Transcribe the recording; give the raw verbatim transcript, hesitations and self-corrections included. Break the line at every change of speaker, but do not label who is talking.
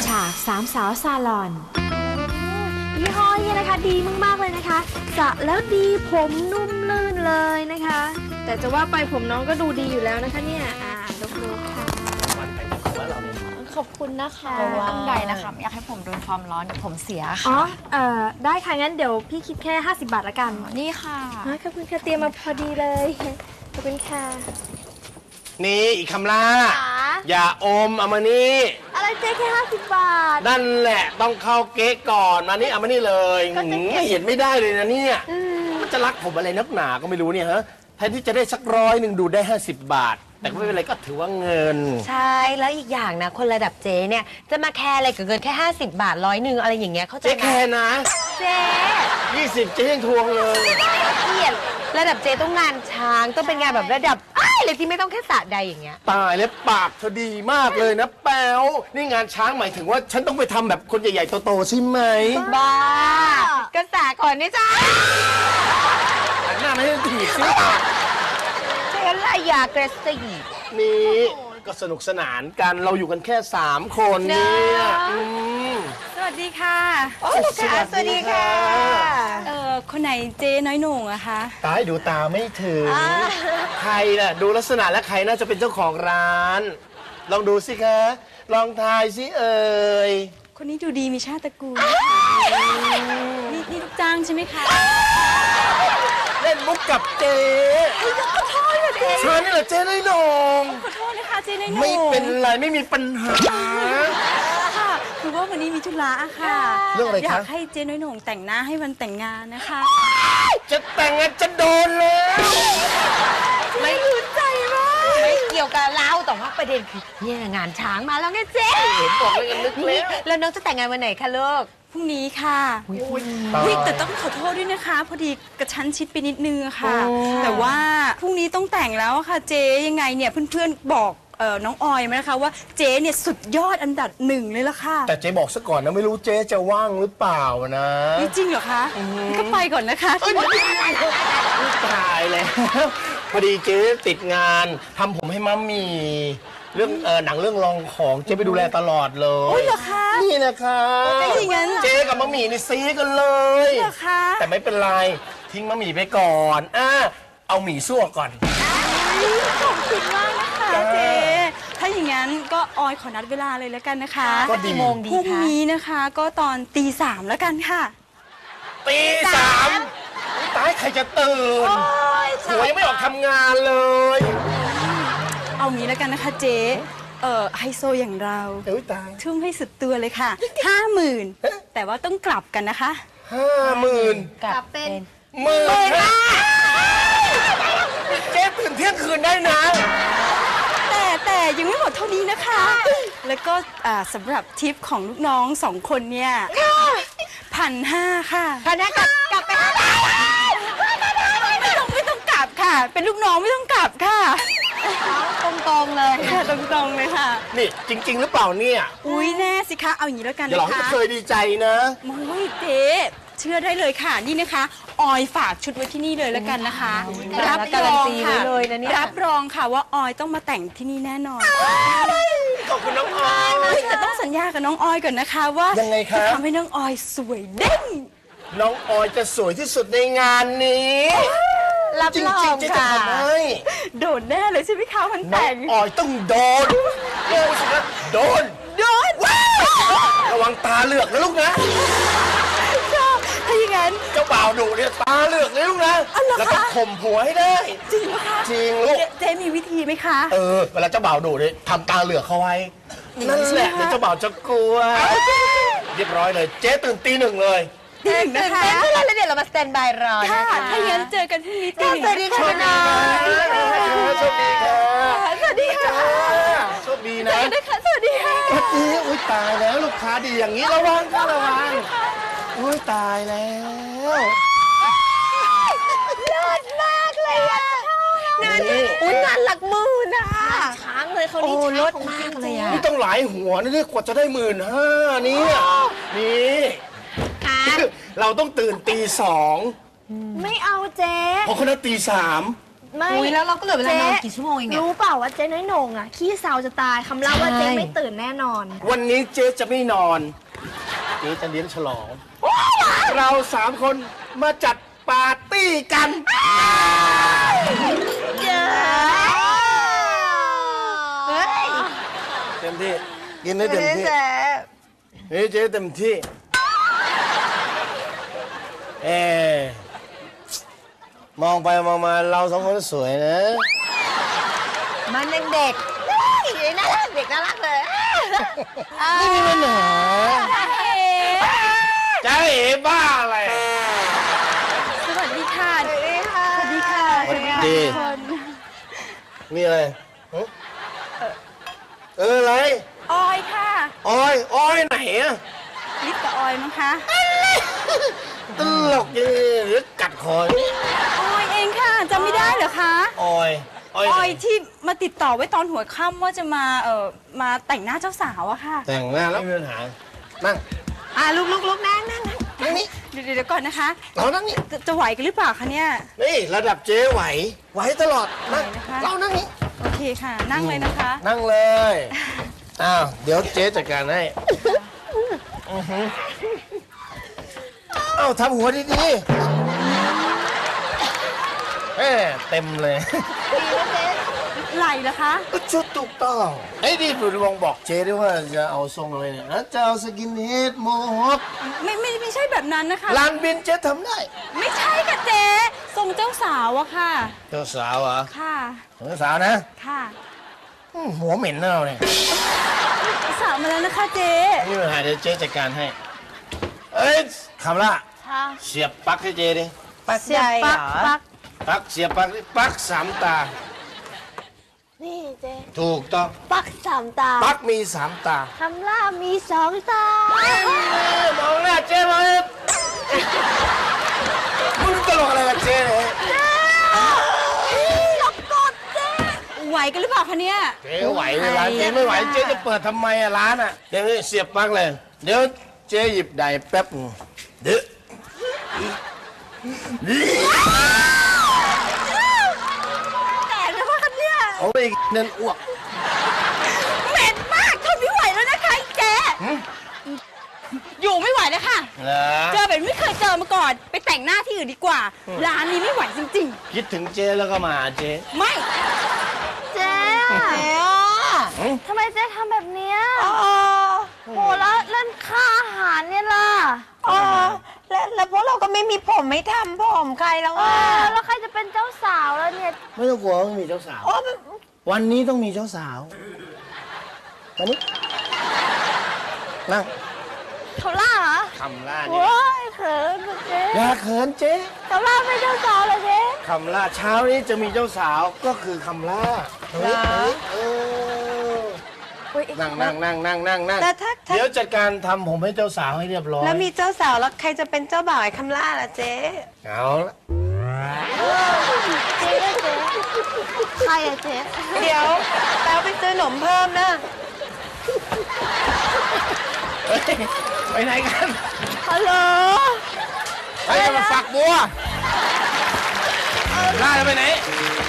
ฉากสามสาวซาลอนยี่ห้อนี้นะคะดีมากๆเลยนะคะสระแล้วดีผมนุ่มลื่นเลยนะคะ แต่จะว่าไปผมน้องก็ดูดีอยู่แล้วนะคะเนี่ยอ่ายกมือค่ะขอบคุณนะคะ
ไม่ต้องใดนะคะไม่อยากให้ผมโดนความร้อนเดี๋ยวผมเสีย
อ๋
ค่ะ
อเอ่อได้ค่ะงั้นเดี๋ยวพี่คิดแค่ห้าสิบบาทละกัน
นี่ค่ะ
ขอบคุณค่ะเตรียมมาพอดีเลยขอบคุณค่ะ
นี่อีกคำล่าอย่าอมเอามานี่
อะไรเจ๊แค่ห้าสิบบาท
นั่นแหละต้องเข้าเก๊กก่อนมานี่เอามานี่เลย
ก็จะเก็บ
ไม่เห็นไม่ได้เลยนะเนี่ยมันจะรักผมอะไรนักหนาก็ไม่รู้เนี่ยฮะแทนที่จะได้สักร้อยหนึ่งดูได้ห้าสิบบาท แต่ก็ไม่เป็นไรก็ถือว่าเงิน
ใช่แล้วอีกอย่างนะคนระดับเจ๊เนี่ยจะมาแคร์อะไรกับเงินแค่ห้าสิบบาทร้อยหนึ่งอะไรอย่างเงี้ยเข้าใจ
เจ๊
ไหม
แค่นะ
เจ๊
ยี่สิบเจ๊ยังทวงเลย
เกลียดระดับเจ๊ต้องงานช้างต้องเป็นงานแบบระดับอ้ายเลยที่ไม่ต้องแค่สระใดอย่างเงี้ย
ตายแล้วปากเธอดีมากเลยนะแป๊วนี่งานช้างหมายถึงว่าฉันต้องไปทำแบบคนใหญ่ๆโตๆใช่ไหม
บ้ากระสาก่อนนี่จ้า
หันหน้าไม่ให้ถีบสิ
เจ๊ละยากระสี
นี่ก็สนุกสนานกันเราอยู่กันแค่สามคนเนี่ยอืม
สวัสดีค่ะ
โอ้ลูกค้าสวัสดีค่ะ
เอ่อ คนไหนเจ๊น้อยโหน่งอะคะ
ตายดูตาไม่ถึง ใครล่ะ ดูลักษณะแล้วใครน่าจะเป็นเจ้าของร้าน ลองดูสิคะ ลองทายสิเอ่ย
คนนี้ดูดีมีชาติตระกูลนี่นี่ลูกจ้างใช่ไหมคะ
เล่นมุกกับเจ๊ฉันนี่แหละเจ๊น้อยโหนง
ขอโทษนะคะเจ๊น้อยโหน่ง
ไม่เป็นไรไม่มีปัญหา
ค่ะคือว่าวันนี้มีธุระอะค่ะ
เรื่องอะไรคะ
อยากให้เจ๊น้อยโหน่งแต่งหน้าให้วันแต่งงานนะคะ
จะแต่งงานจะโดนแล้ว
ไม่รู้ใจมากไม่เกี่ยวกับเราแต่ว่าประเด็นคือเนี่ยงานช้างมาแล้วไงเจ๊
เห็นบอกเลยกันนึกแล้ว
แล้วน้องจะแต่งงานวันไหนคะลูก
พรุ่งนี้ค่ะอุ๊ยแต่ต้องขอโทษด้วยนะคะ พอดีกระชั้นชิดไปนิดนึงอะค่ะ แต่ว่าพรุ่งนี้ต้องแต่งแล้วอะค่ะเจ๊ยังไงเนี่ยเพื่อนๆบอกเอ่อน้องออยมานะคะว่าเจ๊เนี่ยสุดยอดอันดับหนึ่งเลยล่ะค่ะ
แต่เจ๊บอกซะก่อนนะไม่รู้เจ๊จะว่างหรือเปล่านะ
นี่จริงเหรอคะก็ไปก่อนนะคะ
ตายแล้วพอดีเจ๊ติดงานทำผมให้มัมมี่เรื่องเออหนังเรื่องรองของเจ๊ไปดูแลตลอดเลย
โอ้ยเหรอคะ
นี่นะคะ
ถ้าอย่างนั้น
เจ๊กับมัมมี่นี่ซีกันเลย
เหรอคะ
แต่ไม่เป็นไรทิ้งมัมมี่ไปก่อนอ่ะเอาหมี่ซั่วก่อน
ขอบคุณมากนะคะเจ๊ถ้าอย่างนั้นก็ออยขอนัดเวลาเลยแล้วกันนะคะ
ก็ดี
กี่โมงดี
พรุ่ง
คะ
นี้นะคะก็ตอนตีสามแล้วกันค่ะ
ตีสามตายใครจะตื่นหัวยังไม่ออกทำงานเลย
เอางี้แล้วกันนะคะเจ๊เอ่อไฮโซอย่างเรา
เอ้ยตาย
ทุ่มให้สุดตัวเลยค่ะห้าหมื่นแต่ว่าต้องกลับกันนะคะ
ห้าหมื่น
กลับเป็น
หมื่นห้าเจ๊ตื่นเที่ยงคืนได้นะ
แต่แต่ยังไม่หมดเท่านี้นะคะ แล้วก็อ่าสำหรับทิปของลูกน้องสองคนเนี่ยพันห้าค่ะ
พนักกลับกลับไปห้าบาท
ไม่ต้องไม่ต้องกลับค่ะ เป็นลูกน้องไม่ต้องกลับค่ะ
ตรงๆเลย
ค่ะตรงๆเลยค่ะ
นี่จริง ๆ หรือเปล่าเนี่ย
อุ้ยแน่สิคะเอาอย่างนี้แล้วกัน
อย่าหลอก
นะ
ให้
คะ
เคยดีใจนะ
โอ้ยเจ๊เชื่อได้เลยค่ะนี่นะคะ ออยฝากชุดไว้ที่นี่เลยแล้วกันนะคะ
รับการันตีไว้เลยนะเนี่ย
รับรองค่ะว่าออยต้องมาแต่งที่นี่แน่นอน
ขอบคุณน้องออย
อุ๊ยแต่ต้องสัญญากับน้องออยก่อนนะคะว่า
ยังไงคะ
จะทำให้น้องออยสวยเด้ง
น้องออยจะสวยที่สุดในงานนี้
รับ
จริ
รอง
ๆเจ๊จะ
ค่ะ
ทำให้
โดดแน่เลยใช่ไหมคะมัน
น้อ
แต่
ง
ง
ออยต้องโดนโดนสิครับโดน
โดด
ระวังตาเหลือกนะลูกนะ
ถ้าอย่างนั้น
เจ้าบ่าวดุเนี่ยตาเหลือกเลยลูกนะ
อ๋อเหรอคะ
แล้วก็ข่มผัวให้ได้
จริงไหมคะ
จริงลูก
เจ๊เจ๊มีวิธีไหมคะ
เออ เวลาเจ้าบ่าวดุเนี่ยทำตาเหลือกเขาไว้ นั่นแหละเดี๋ยวเจ้าบ่าวจะกลัว เรียบร้อยเลย เจ๊ตื่นตีหนึ่งเลย
หนึ่ง
ตื่
นะ
น
คะ
เต้นแล้วเดี๋ยวเรามาสแตนบายรอ
ค่ะ
นะคะ
ถ้าอย่างนั้นเจอกันพรุ่งนี้ตีหนึ่ง
สวัสดีค่ะน้อง
โชคดีค่ะ
สวัสดีค่ะ
โชคดีนะ
นะคะสวัสดีค่ะ
สวัสดีอุ้ยตายแล้วลูกค้าดีอย่างนี้ระวังค่ะระวังอุ้ยตายแล้ว
เลิศมากเลยอ่ะงานอุ้ยงานหลักหมื่นอ่ะ
ช้างเลยเขา
โอ้
นี่
ล
ช้าง
ด
ของ
มา
จริ
ก
ง
เลย
ๆ
อ่ะ
นี่ต้องหลายหัวนะเนี่ยกว่าจะได้หมื่นห้าเนี่ยนี่ เราต้องตื่นตีสอง
ไม่เอาเจ๊
เพราะเขานัดตีสาม
ไม่
อุ้ยแล้วเราก็เหลือเวลานอนกี่ชั่วโมงเองเนี่ย
รู้เปล่าว่าเจ๊น้อยโหน่งอ่ะขี้เศร้าจะตายคำเล่าว่าเจ๊ไม่ตื่นแน่นอน
วันนี้เจ๊จะไม่นอน เจ๊จะเลี้ยงฉลอง เราสามคนมาจัดปาร์ตี้กัน
เฮ้ย
เต็มที่ กินได้เต็มที่เฮ้ยเจ๊เต็มที่เอ๊ะมองไปมองมาเราสองคนสวยนะ
มันยังเด็กเฮ้ยน่ารักเด็กน่ารักเลย
ไม่มีปัญหาใจเอ๋บ้าอะไร
สวัสดีค่ะ สวัสดีค่ะ สวัสดีค่ะ
สวัสดี
ทุกคน
มีอะไรฮะเอออะไร
ออยค่ะ
ออยออยไหนอะ
ลิปกับออยมั้งคะ
ตลกยังหรือกัดคอ
ออยเองค่ะจำไม่ได้เหรอคะ
ออยออย
อ
ไหน
อยที่มาติดต่อไว้ตอนหัวค่ำว่าจะมาเอ่อมาแต่งหน้าเจ้าสาวอะค่ะ
แต่งหน้าแล้วไม่มีปัญหานั่ง
อ่ะลุกลุกลุกนั่งนั่งนั่ง
นั่งนี่
เดี๋ยวเดี๋ยวก่อนนะคะ
เรานั่งนี่
จะจะไหวกันหรือเปล่าคะเนี่ย
นี่ระดับเจ๊ไหว ไหวตลอดนั่ง
ไหวนะคะ
เรานั่งนี่
โอเคค่ะ นั่งเลยนะคะ
นั่งเลยอ้าวเดี๋ยวเจ๊จัดการให้อือหือเอ้าทำหัวดีๆเอ้เต็มเลย
ไหลเหรอคะ
ชุดถูกต้องไอ้ยนี่ผมลองบอกเจ๊ด้วยว่าจะเอาทรงอะไรเนี่ยนะจะเอาสกินเฮดโมฮอค
ไม่ไม่ไม่ใช่แบบนั้นนะคะ
ลานบินเจ๊ทำได้
ไม่ใช่ค่ะเจ๊ทรงเจ้าสาวอะค่ะ
เจ้าสาวเหรอ
ค่ะ
เจ้าสาวนะ
ค่ะ
อืมหัวเหม็นนะเราเนี่ย
สาวมาแล้วนะคะเจ๊
นี่ปัญหาเดี๋ยวเจ๊จัดการให้ เอ้ยคำละเสียบปลั๊กให้เจ๊ดิ
ปักใจเหรอ
ปัก
ปลั๊กเสียบปลั๊กดิปลั๊กสามตา
นี่เจ๊
ถูกต้อง
ปักสามตา
ปลั๊กมีสามตา
คำล่ามีสองตา
มองหน้าเจ๊เลยมึงตลกอะไรกับเจ๊เนี่ย
ไหวกันหรือเปล่าคะเนี่ย
เจ๊ไหวเลยร้านเจ๊ไม่ไหวเจ๊จะเปิดทำไมอะร้านอะเดี๋ยวนี้เสียบปลั๊กเลย เดี๋ยวเจ๊หยิบไดร์แป๊บนึงเดี๋ยว
แต่นะว่ากันเนี่ย
เอาไปอีกนั่นอ้วก
เหม็นมากทนไม่ไหวแล้วนะคะไอ้เจ๊อยู่ไม่ไหวแล้วค่ะ
เหรอ
เจอแบบไม่เคยเจอมาก่อน ไปแต่งหน้าที่อื่นดีกว่า ร้านนี้ไม่ไหวจริง
คิดถึงเจ๊แล้วก็มาหาเจ๊
ๆ ไม่
เจ๊ทำไมเจ๊ทำแบบเนี้ยโหแล้วเล่นค่าอาหารเนี่ยล่ะ
อ๋อแล้วแล้วพวกเราก็ไม่มีผมไม่ทำผมใครแล้ว
เอ
อ่ะ
อแล้วใครจะเป็นเจ้าสาวแล้วเนี่ย
ไม่ต้องกลัวไม่มีเจ้าสาว
โอ้มัน
วันนี้ต้องมีเจ้าสาววันนี้นั่ง
เขาล่าเหรอ
คำล่านี่
โอ้ยเขินอะเจ๊
อย่าเขินเจ๊
เขาล่าเป็นเจ้าสาวเหรอเจ๊
คำล่าเช้านี้จะมีเจ้าสาวก็คือคำล่าเฮ้ยเฮ้ยเออนั่งนั่งนั่งนั่งนั่งนั่ง
แต่ถ้าถ้า
เดี๋ยวจัดการทำผมให้เจ้าสาวให้เรียบร้อย
แล้วมีเจ้าสาวแล้วใครจะเป็นเจ้าบ่าวไอ้คำล่าล่ะเจ๊
เอาละ
เจ๊เจ๊ใครอะเจ๊
เดี๋ยวแป๊วไปซื้อหนมเพิ่มนะ
เฮ้ยไปไหนกัน
ฮัลโหล
ไปกันมาฝักบัวล่าจะไปไหน